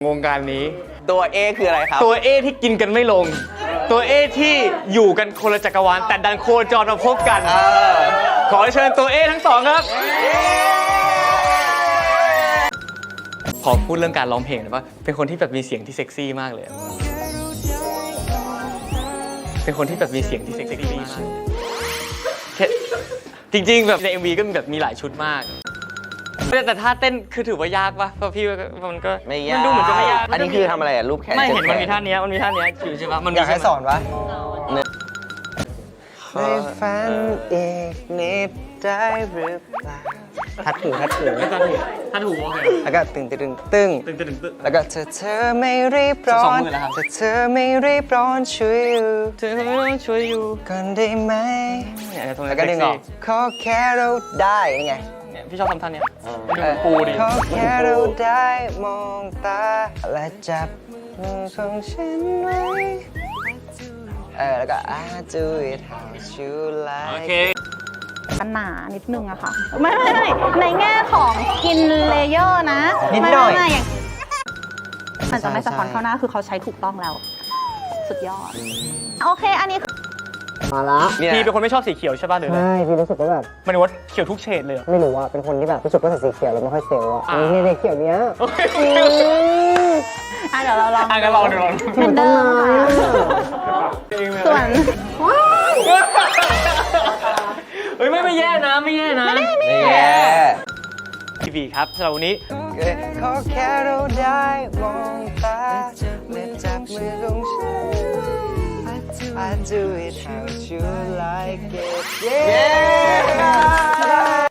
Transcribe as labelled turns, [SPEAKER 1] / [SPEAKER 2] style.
[SPEAKER 1] วงการนี้
[SPEAKER 2] ตัว A คืออะไรครับ
[SPEAKER 1] ตัว A ที่กินกันไม่ลงตัว A ที่อยู่กันคนละจักรวาลแต่ดันโคจรมาพบกันขอเชิญตัว A ทั้งสองครับขอพูดเรื่องการร้องเพลงนะว่าเป็นคนที่แบบมีเสียงที่เซ็กซี่มากเลยเป็นคนที่แบบมีเสียงที่เซ็กซี่มากจริงๆแบบใน MV ก็มีแบบมีหลายชุดมากแต่ท่าเต้นคือถือว่ายากปะเพราะพี่มันก็
[SPEAKER 2] ไม่ยาก
[SPEAKER 1] มันดูเหมือนจะไม่ยาก
[SPEAKER 2] อันนี้คือทำอะไรอ่ะรูปแขน
[SPEAKER 1] ไม่เห็นมันมีท่านี้อยู่ใช่ปะมัน
[SPEAKER 3] อยากให้สอนปะ
[SPEAKER 2] ในฝันอีกนิดได้หรือเปล่าทัดหู
[SPEAKER 1] ท่าถูโอเค
[SPEAKER 2] แล้วก็ตึงแล้วก็เธอไม่รีบร้อนเธอไม่รีบร้อนช่วยอยู่ก่อนได้ไหมแล้วก็ดึงออกขอแค่เราได้ยังไง
[SPEAKER 1] พี่ชอบทำท่านี้ดูปูดิ
[SPEAKER 2] ขอแค่เราได้มองตาและจับมือของฉันไว้แล้วก็ I do it how you like
[SPEAKER 1] โอเค
[SPEAKER 4] หนานิดนึงอะค่ะไม่ในแง่ของกินเลเยอร์นะ
[SPEAKER 2] นิดหน่อย
[SPEAKER 4] มันจะไม่สะท้อนเข้าหน้าคือเขาใช้ถูกต้องแล้วสุดยอดโอเคอันนี้
[SPEAKER 3] มาละ
[SPEAKER 1] พี่เป็นคนไม่ชอบสีเขียวใช่ป่ะหรืออะไร
[SPEAKER 3] ใช่พี่รู้สึกว่าแบบ
[SPEAKER 1] มันว่าเขียวทุกเฉดเลย
[SPEAKER 3] ไม่รู้ว่าเป็นคนที่แบบรู้สึกว่าใส่สีเขียวแล้วไม่ค่อยเซลล์อ่ะนี่ในเขียวเนี้ย
[SPEAKER 4] เดี๋ยวเราลอง
[SPEAKER 1] กันลองดู
[SPEAKER 4] เป็นเดิมค่ะส่วน
[SPEAKER 1] เฮ้ยไม่แย่นะไม่แย่ทีวีครับสำหรับวันนี้
[SPEAKER 2] ขอแค่เราได้มองตาและจับมือของฉันI do it how you like it yeah